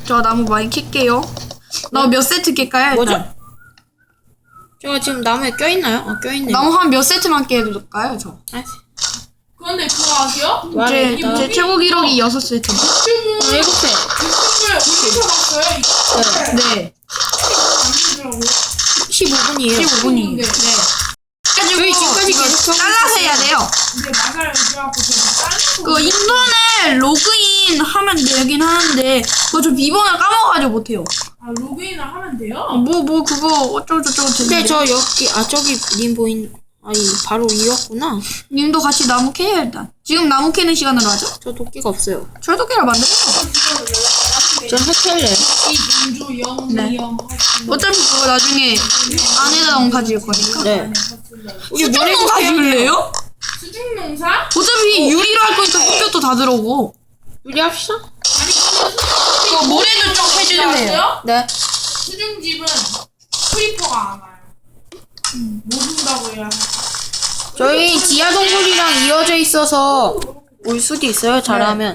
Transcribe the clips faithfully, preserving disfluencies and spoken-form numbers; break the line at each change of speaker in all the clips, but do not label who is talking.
저 나무 많이 캘게요. 나무 몇 세트 캘까요?
뭐죠?
일단?
제가 지금 나무에 껴있나요? 어, 껴있네요.
나무 한 몇 세트만 깨둘까요, 저?
아,
그런데 그거 아세요?
제,
말했다.
제 최고 기록이 여섯 세트.
유튜브
일곱 세.
유튜브에 올려봤어요. 이거
네.
만들더라고요.
십오 분이에요.
십오 분이.
네.
저희
지금까지 계속
잘라서 해야 돼요.
근데 맞아요. 그래갖고 제가 다른
그 인터넷 로그인 하면 되긴 하는데 그거 저 비번을 까먹어가지고 못해요.
아 로그인을 하면 돼요?
뭐 뭐 그거 어쩌고저쩌고
근데
되는데.
저 여기, 아, 저기 님 보인, 아니, 바로 이었구나.
님도 같이 나무 캐요 일단. 지금 나무 캐는 시간으로 하죠?
저 도끼가 없어요.
철도끼를 만들어요.
전 해켈래요.
이 민주 영미
네.
영
어차피 그거 나중에 안에다 농 가질 거니까.
네. 우리
수중
모래도
농사
캐야 돼요.
지을래요?
수중 농사?
어차피 유리로 할 거니까 햇볕도 다 들어오고.
유리합시다.
아니 근데
그거 모래도 좀 해주세요.
아세요?
네.
수중집은 크리퍼가 안 와요. 못 온다고 해야.
저희 지하 동굴이랑 이어져 있어서 올 수도 있어요, 잘하면.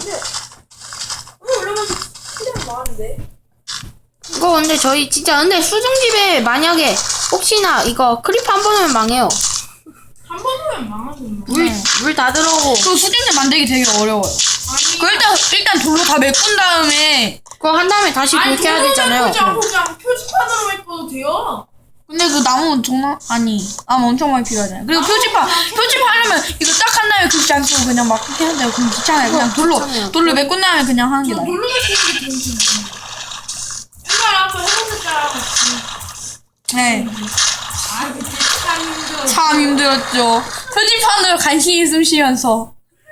이거 근데 저희 진짜 근데 수중집에 만약에 혹시나 이거 크리퍼 한 번 오면 망해요.
한 번 오면 망하는 거.
물 물 다 들어오고.
그 수준을 만들기 되게 어려워요.
아니
그 일단 일단 돌로 다 메꾼 다음에.
그거 한 다음에 다시
아니
그렇게 해야
그거는
되잖아요.
그냥 그냥 표지판으로 메꿔도 돼요.
근데 그 나무 정말 아니 나무 엄청 많이 필요하잖아요. 그리고 표지판 표지판 하려면 이거 딱 한 다음에 글씨 안 쓰고 그냥 막 그렇게 하는데 그럼 귀찮아요. 그냥 돌로
귀찮아요.
돌로 메꾼 다음에 그냥 하는 게
저
나아요.
놀러 가시는 게 좋은지. 옛날에 한번 해보셨잖아.
네.
아 그때 참 힘들어.
참 힘들었죠. 표지판으로 간신히 숨 쉬면서.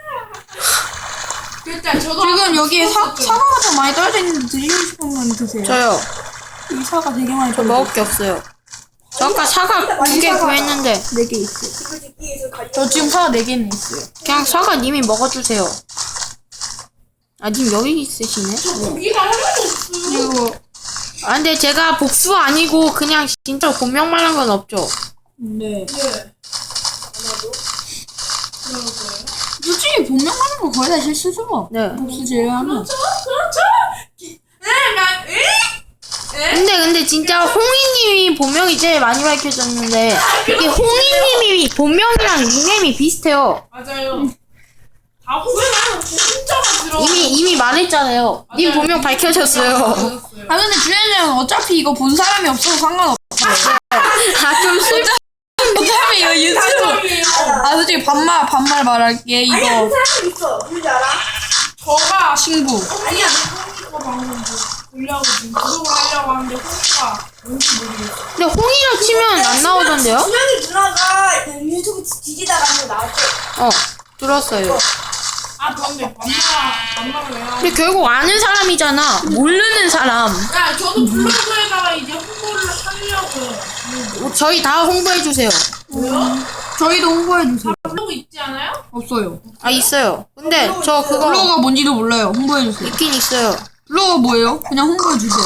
그때 저도
지금 여기에 사, 사과가 더 많이 떨어져 있는데 드시고 싶은 건 드세요.
저요.
이 사과 되게 많이
저
떨어져
먹을 게 없어요. 저 아까 사과 두 개 구했는데
네개 있어요. 저 지금 사과 네 개는 있어요.
그냥 사과 님이 먹어주세요. 아, 님 여기 있으시네?
고기가 하나도 없어요.
그리고
아, 근데 제가 복수 아니고 그냥 진짜 본명 말한 건 없죠?
네.
네. 아마도 그럴 거예요.
솔직히 본명하는 거 거의 다 실수죠.
네.
복수 제외하면.
그렇죠, 그렇죠. 기- 네, 나, 에? 에?
근데 근데 진짜 홍이님이 본명이 제일 많이 밝혀졌는데 이게 홍이님이 본명이랑 닉네임이 비슷해요.
맞아요. 다 후회나요. 진짜가 들어.
이미 이미 말했잖아요. 님 본명 밝혀졌어요.
아 근데 주연이는 어차피 이거 본 사람이 없어서 상관없어.
아좀 슬.
어차피 이거 유튜브. 아 솔직히 반말 반말 말할게 이거
사람 있어. 누군지 알아?
저가
친구.
아니야. 홍이가 방금 뭐 보려고 지금 구독을 하려고 하는데 홍이가 뭔지 모르겠어.
근데 홍이라 치면 안 나오던데요?
준영이 누나가 유튜브 뒤지다가 한번 나왔어.
어 들었어요.
아 근데 반말 반말을 왜 하냐?
근데 결국 아는 사람이잖아. 모르는 사람.
야 저도 블로그에다가 이제 홍보를 하려고요.
저희 다 홍보해 주세요.
뭐요?
저희도 홍보해 주세요.
블로그 있지 않아요?
없어요.
아 있어요. 근데 저 그거
블로그가 뭔지도 몰라요. 홍보해 주세요.
있긴 있어요.
블로그 뭐예요? 그냥 홍보해 주세요.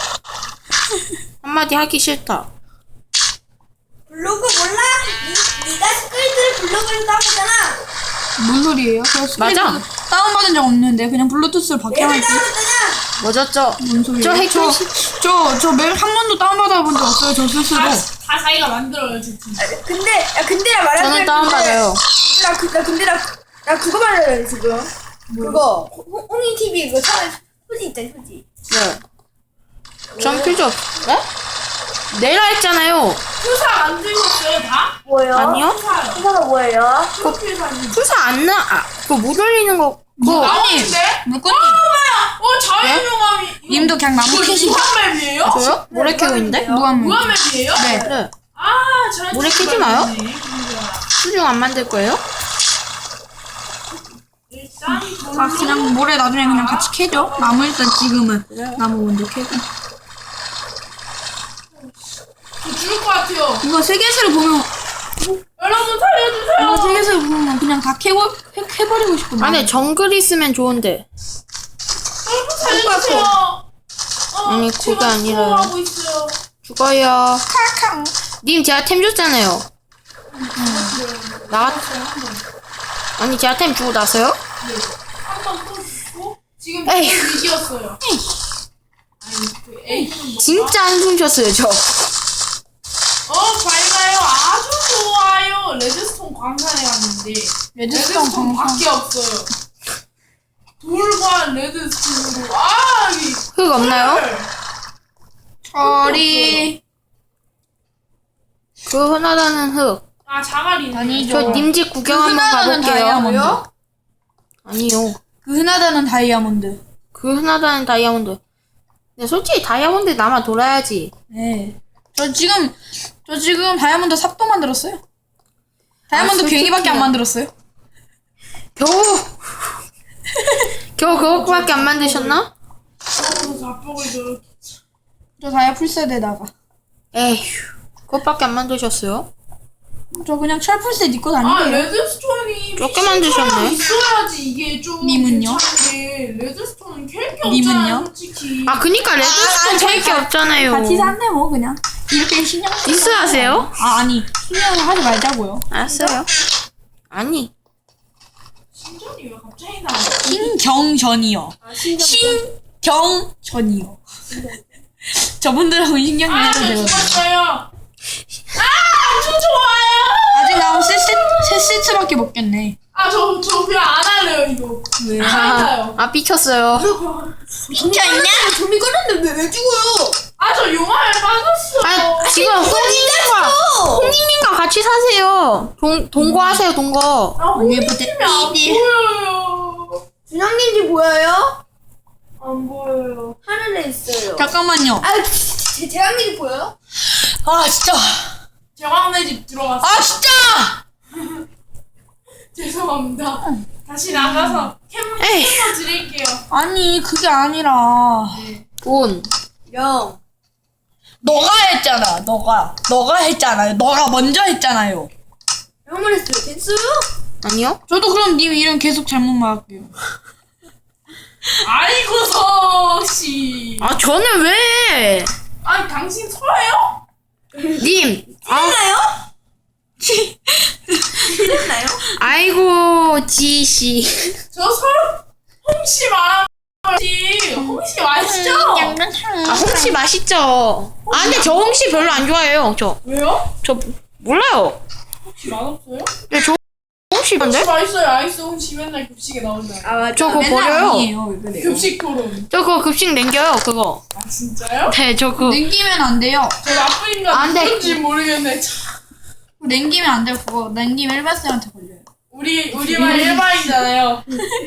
한마디 하기 싫다.
블로그 몰라? 니, 니가 스크린을 블로그를 따보잖아.
뭔 소리예요? 저 스크린
맞아.
다운받은 적 없는데 그냥 블루투스를 밖에
내가
할지.
따봤잖아.
뭐졌죠?
뭔 소리예요?
저 핵-
저저저맵 한 번도 다운받아 본 적 없어요. 저 스스로.
다, 다 자기가 만들어요 저 팀.
근데, 야, 근데 나 말하는
저는 다운받아요.
나, 그, 나 근데 나, 나 그거 말하려 지금. 그거, 홍- 홍이 티비 그거 처음에 소지 있잖아, 소지.
네. 전 필요 없. 네? 내라 했잖아요.
투사 만들었어요 다?
뭐예요?
아니요?
투사요.
회사가 뭐예요?
프로필사님.
투사 안 나. 아, 그거 못 올리는 거. 그거
뭐, 아니
나오는데?
물건님
어 자유명함이.
님도 그냥 나무 캐시고.
무한맵이에요?
저요? 모래 캐고 있는데?
무한
무한맵이에요?
네.
네.
아 자유.
모래 캐지 마요. 수중 안 만들 거예요?
일단
아 그냥 모래 나중에 그냥 같이 캐죠. 나무 일단 지금은 나무 먼저 캐고.
저 죽을 것 같아요.
이거 세계수를 보면
여러분
이거
살려주세요.
세계수를 보면 그냥 다 캐고 캐, 캐버리고 싶은
안에 정글 있으면 좋은데.
여러분 살려주세요. 어,
아니,
제가
그게 아니라요.
수고하고 있어요.
죽어요.
캉캉.
님 제가 템 줬잖아요. 나 아니 제가 템 주고 나서요?
한 번 또 죽고 지금
에이.
이겼어요. 그 애기는 뭐
진짜 한숨 쉬었어요 저.
어 밝아요. 아주 좋아요. 레드스톤 광산에 갔는데
레드스톤 광산.
밖에 없어요. 돌과 레드스톤으로 아 이.
흙 없나요?
저리.
그 흔하다는 흙.
아 자갈이.
아니죠.
저 님 집 구경
그
한번
흔하다는
가볼게요.
다이아몬드.
아니요.
그 흔하다는 다이아몬드.
그 흔하다는 다이아몬드. 근데 솔직히 다이아몬드 남아 돌아야지.
네. 저 지금 저 지금 다이아몬드 삽도 만들었어요. 다이아몬드
아,
괭이밖에 안
솔직히요.
만들었어요.
겨우 겨우 그것밖에 안 만드셨나?
저거 자뻑을 저렇게.
저 다이아 풀셋에다가.
에휴. 그것밖에 안 만드셨어요?
저 그냥 철풀셋 입고
아
다니게요.
레드스톤이
몇개 만드셨네?
있어야지 이게 좀
님은요?
괜찮은데 레드스톤은 캘게
님은요?
없잖아 솔직히.
아 그니까 레드스톤 캘 게 없잖아요.
같이 샀네 뭐 그냥. 이렇게 신경 쓰-
디스하세요?
아 아니 신경을 하지 말자고요.
알았어요. 아니.
신전이 왜 갑자기 나와?
신경전이요.
아 신전.
신경전이요. 저분들하고 신경
아,
내야
저
되거든요.
죽었어요. 아, 아주 좋아요.
아직 나무 세, 세, 세 세트밖에 못 깼네.
아, 저, 저 그냥 안 할래요, 이거.
왜?
아,
아 삐쳤어요.
진짜 있냐?
좀비 걸렸는데 왜, 왜 죽어요?
아, 저 용암에 빠졌어.
아 지금 홍익님과 홍익님과 같이 사세요. 동 동거하세요 동거.
아,
왜부터
홍익님이 안
삐디?
보여요.
준영님 집 보여요?
안 보여요.
하늘에 있어요.
잠깐만요.
아, 제, 재앙님 집 보여요?
아 진짜.
제왕네 집 들어갔어.
아 진짜.
죄송합니다. 다시 나가서 캠,
에이.
캠 드릴게요.
아니 그게 아니라
돈.
영.
너가 했잖아. 너가 너가 했잖아요. 너가 먼저 했잖아요.
형을 했어요. 됐어요?
아니요?
저도 그럼 님 이름 계속 잘못 말할게요.
아이고, 성씨.
아 저는 왜?
아니, 당신 서예요?
님. 아
했나요? 했나요?
아이고 지씨.
저 서로 홍씨 말한 거지. 홍씨 맛있죠?
아 홍시 맛있죠. 아 근데 저 홍시 별로 안 좋아해요. 저.
왜요?
저 몰라요.
혹시 맛없어요?
근데 저 홍시 뭔데?
혹시 맛있어요? 아이스 홍시 맨날 급식에 나오잖아요.
아, 맞아.
저 그거
맨날
버려요.
아니에요. 왜 그래요?
급식 토론.
저 그거 급식 남겨요 그거.
아 진짜요?
네 저 그거.
냉기면 안 돼요.
저 나쁜 인간
안 돼.
누군지 모르겠네. 참.
냉기면 안 돼요. 그거 냉기면 일반쌤한테 걸려요.
우리 우리만 일반이잖아요.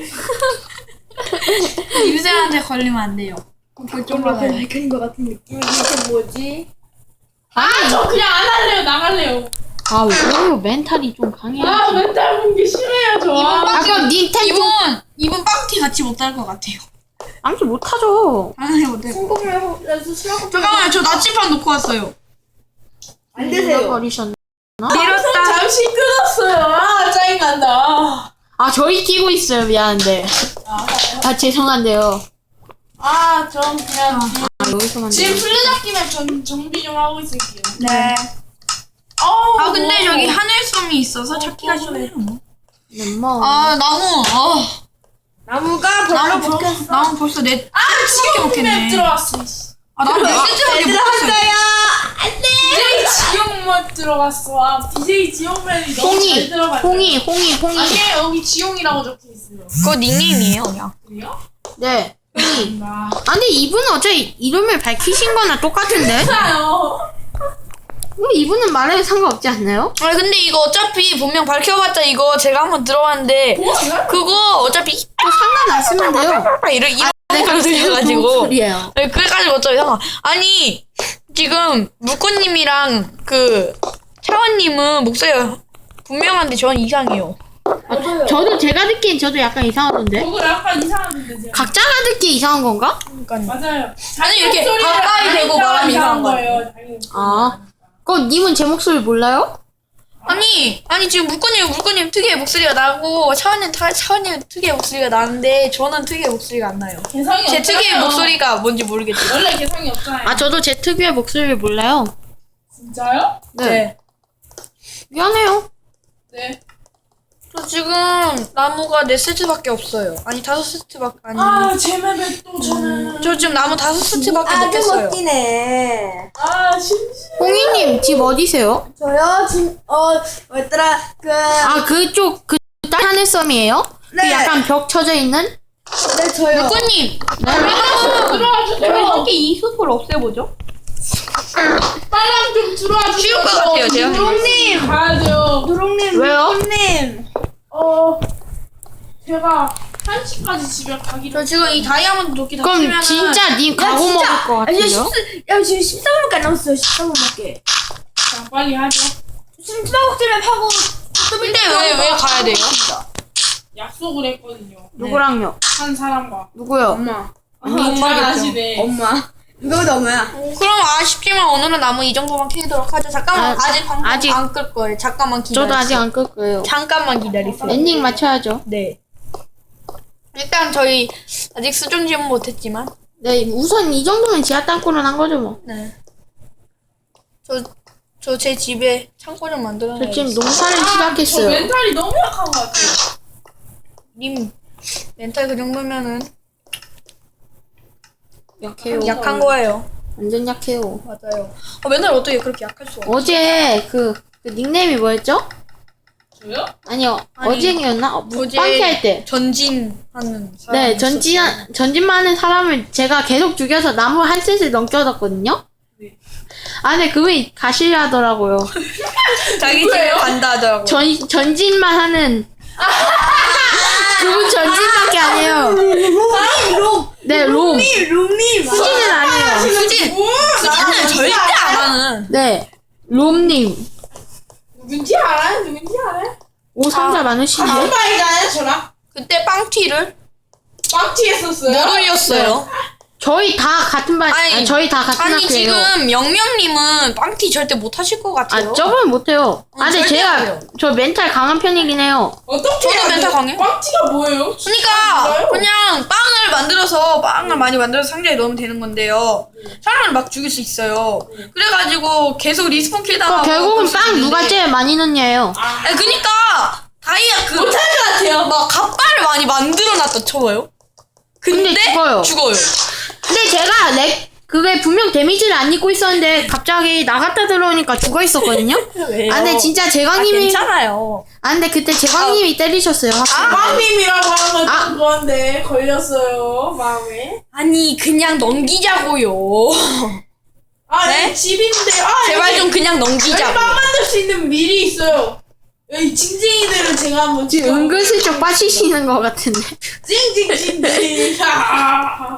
임쌤한테 걸리면 안 돼요. 그쪽 받아요.
밝힌 것 같은 느낌. 이게 뭐지?
아 저 그냥 안 할래요. 나갈래요.
아 왜요? 멘탈이 좀 강해요.
아 멘탈 본게 싫어요 저.
아 그럼 닌텐도
이분 이분 빵티 같이 못 할 것 같아요.
아무튼 못하죠.
당연히 못 할. 것 같아요.
성공을 해서 수락
잠깐만요. 저 나치판 놓고 왔어요.
안 되세요.
버리셨나?
방송 잠시 끊었어요. 아 짜증난다.
아 저희 끼고 있어요. 미안한데.
아,
아 죄송한데요.
아, 전 그냥 뒤-
아 여기서만.
지금 술래잡기만 전 정비 좀 하고 있을게요.
네.
어우,
아 근데
뭐.
저기 하늘섬이 있어서 찾기가 쉽네요.
lemon.
아 나무. 아
나무가 벌써
나무
먹혔어.
벌 나무 벌써 네
아 지금
먹겠네.
맵 들어왔어. 씨.
아 나무 몇 세트밖에 못 했어요.
디제이 지용만 들어갔어. 아 디제이 지용맨이 너무 잘
홍이,
들어갔네.
홍이, 홍이, 홍이.
아니 여기 지용이라고 적혀 있어요.
그거 닉네임이에요 그냥.
그래요?
네. 홍이.
나.
아 근데 이분은 어차피 이름을 밝히신 거나 똑같은데?
괜찮아요.
뭐 이분은 말해도 상관없지 않나요?
아 근데 이거 어차피 분명 밝혀봤자 이거 제가 한번 들어봤는데
뭐야?
그거 어차피
뭐 상관 안 쓰면 돼요.
이런 이런
내가
거 들려가지고
소리예요.
네, 그래가지고 어차피 상관. 아니 지금 물고님이랑 그 차원님은 목소리가 분명한데 저는 이상해요.
맞아요.
저도 제가 듣기엔 저도 약간 이상하던데?
저거 약간 이상한데 제가.
각자가 듣기 이상한 건가?
그러니까
맞아요.
아니, 이렇게
목소리를
가까이
안
대고
하니까
말하면
이상한
이상한
거예요. 자기 목소리.
아. 그럼 님은 제 목소리 몰라요?
아니 아니 지금 물고님 물고님 특유의 목소리가 나고 차원님 타- 차원님 특유의 목소리가 나는데 저는 특유의 목소리가 안 나요.
개성이
제
없잖아요.
특유의 목소리가 뭔지 모르겠어요.
원래 개성이 없잖아요.
아 저도 제 특유의 목소리를 몰라요.
진짜요?
네. 미안해요.
네.
저 지금 나무가 네 세트밖에 없어요. 아니 다섯 세트밖에 아니.
아 제맵에 또 저는
저 지금 나무 다섯 세트밖에 못
아주
깼어요.
멋지네.
아 심심해.
홍이님 집 어디세요?
저요 지금 어 뭐였더라 그
아 그쪽 그 하늘섬이에요?
네.
그 약간 벽 쳐져 있는?
네 저요.
누구님?
들어와 주세요.
저희 함께 이 숲을 없애보죠.
빨랑 좀 들어와 주세요.
쉬울 것 같아요, 제가.
누룽님 가야죠.
누룽님,
왜요?
누룽님.
어 제가 한 시까지 집에 가기
저 지금 이 다이아몬드 도끼 다
그럼
쓰면은
진짜 님
야,
가고
진짜.
먹을 것
야,
같아요?
십사, 야 지금 십삼 분밖에 안 남았어요. 십삼 분밖에.
자, 빨리 하죠.
지금 수박국집에 파고
근데 왜 왜 가야 돼요?
약속을 했거든요.
누구랑요?
한 사람과.
누구요?
엄마.
아, 잘 아시네.
엄마. 누구보다 엄마야.
그럼 아쉽지만 오늘은 나무 이 정도만 캐도록 하죠. 잠깐만
아,
아, 직 방송
아직-
안 끌 거예요. 잠깐만 기다리세요.
저도 아직 안 끌 거예요.
잠깐만 기다리세요.
엔딩 맞춰야죠.
네. 일단 저희 아직 수준 지원 못했지만
네, 우선 이 정도면 지하 땅굴은 한 거죠 뭐.
네. 저 저 제 집에 창고 좀 만들어
저 지금
놔야겠어요.
농사를
저
시작했어요.
멘탈이 너무 약한 것 같아요.
님 멘탈 그 정도면은
약해요.
약한 거예요.
완전 약해요.
맞아요. 어, 멘탈 어떻게 그렇게 약할 수가?
어제 그, 그 닉네임이 뭐였죠?
저요?
아니요.
아니,
어제였나? 어,
어제
빵키 할 때.
전진하는 사람이
네,
있었어요.
전진, 전진만 하는 사람을 제가 계속 죽여서 나무 한 셋을 넘겨뒀거든요?
네.
아, 근데 그분이 가시려 하더라고요.
자기 집에
누구예요?
간다 하더라고.
전, 전진만 하는. 그분 전진밖에 안 해요.
롬.
네, 롬.
롬님.
수진은 안 해요.
수진 수진은 절대 안 하는.
네, 롬님.
누군지 알아요? 누군지 알아요?
오, 상자 많으신데?
한 마리가요, 저랑?
그때 빵티를
빵티 했었어요?
못 올렸어요.
저희 다 같은 반,
아니,
아니, 저희 다 같은
아니
학교예요.
지금 영명님은 빵티 절대 못 하실 것 같아요.
아, 저번엔 못해요. 아, 근데
절대 안
제가,
해요.
저 멘탈 강한 편이긴 해요.
어떻게
저도
해야
멘탈
돼요?
강해요.
빵티가 뭐예요?
그러니까
몰라요?
그냥 빵을 만들어서 빵을 많이 만들어서 상자에 넣으면 되는 건데요. 사람을 막 죽일 수 있어요. 그래가지고 계속 리스폰 킬 당하고.
결국은
그럴 수
빵 누가
있는데.
제일 많이 넣냐예요.
아,
아니, 그니까 다이아 그
못할 것 같아요.
막 갑발을 많이 만들어놨다 쳐봐요. 근데,
근데 죽어요.
죽어요.
근데 제가 렉, 그게 분명 데미지를 안 입고 있었는데 갑자기 나갔다 들어오니까 죽어 있었거든요?
왜요?
아, 근데 진짜
아,
제광님이.
괜찮아요.
아, 근데 그때 제광님이 때리셨어요, 확실히.
빵님이라고 하는 건
아.
좀 그건데 걸렸어요, 마음에.
아니 그냥 넘기자고요.
아,
네?
여기 집인데, 아,
제발
여기,
좀 그냥
여기
넘기자고.
빵 만들 수 있는 밀이 있어요. 여기 징징이들을 제가 한번
지금
찍어볼게요.
은근슬쩍 빠지시는 것 같은데.
징징징징. 아,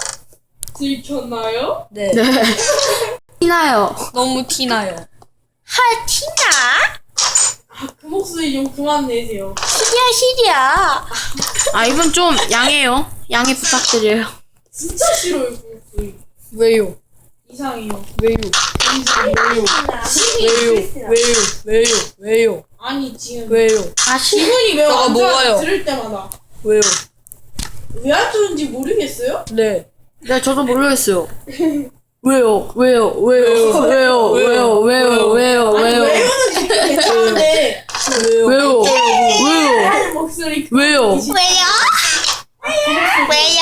들켰나요?
네.
네. 티나요.
너무 티나요. 하 티나?
그 목소리 좀 그만 내세요.
시리야 시리야.
아, 이분 좀 양해요. 양해 부탁드려요.
진짜 싫어요, 그 목소리.
왜요?
이상해요.
왜요?
왜요?
왜요? 왜요? 왜요? 왜요?
아니, 지금.
왜요?
아, 시,
기분이 매우
너가
안 좋아요,
뭐가요?
들을 때마다.
왜요?
왜 안 좋은지 모르겠어요?
네.
네, 저도 모르겠어요. 왜요? 왜요? 왜요? 왜요? 왜요? 왜요? 왜요?
아니,
왜요?
왜요는 괜찮은데.
왜요? 왜요?
하는 목소리.
왜요?
왜요? 왜요?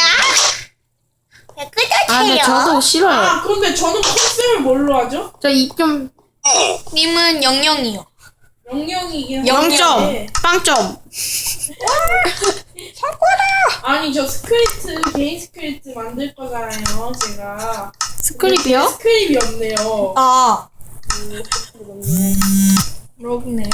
아, 근데 저도 싫어요.
아, 근데 저는 컨셉을 뭘로 하죠?
저 입 좀
님은 영영이요.
영영이긴
영
한데.
점, 빵점.
아니, 저 스크립트, 개인 스크립트 만들 거잖아요, 제가.
스크립이요?
스크립이 없네요.
아. 그렇네요.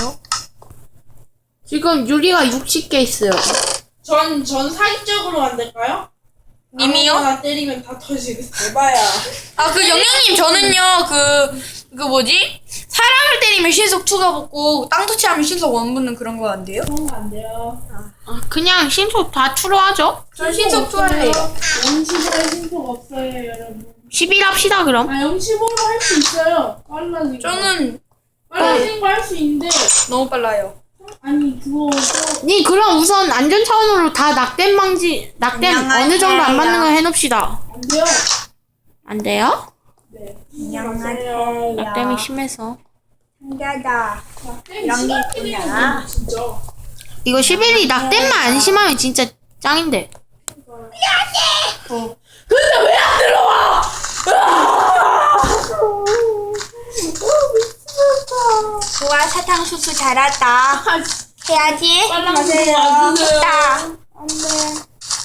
지금 유리가 육십 개 있어요.
전, 전 사기적으로 만들까요?
님이요?
아무거나 때리면 다 터지겠어. 해봐야.
아, 그 영영님 저는요, 그, 그 뭐지? 사람을 때리면 신속 투가 붙고, 땅 터치하면 신속 원 붙는 그런 거 안 돼요?
그런 거 안 돼요.
아, 그냥 신속 다 추로하죠?
전 신속 투 할래요.
영십오에 신속 없어요, 여러분.
십일 합시다, 그럼.
아, 영십오로 할 수 있어요. 빨라진 거.
저는
빨라진 거 할 수 있는데.
너무 빨라요.
아니, 그거. 또
니, 그럼 우선 안전 차원으로 다 낙댐 방지, 낙댐
안녕하세요.
어느 정도 안 맞는 거 해놓읍시다.
안 돼요.
안 돼요?
네.
안녕하세요.
낙댐이 심해서.
한가다.
영이 있구나. 진짜.
이거 시벨이 낙댐만 안 심하면 진짜 짱인데.
근데 왜 안 들어와?
좋아, 사탕수수 잘 왔다. 해야지.
빨랑
가세요.
와주세요.
됐다.
안돼.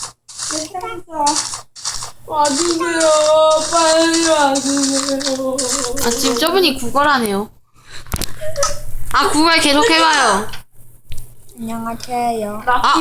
와주세요. 빨리 와주세요.
아 지금 저분이 구걸하네요. 아 구걸 계속 해봐요.
안녕하세요.
아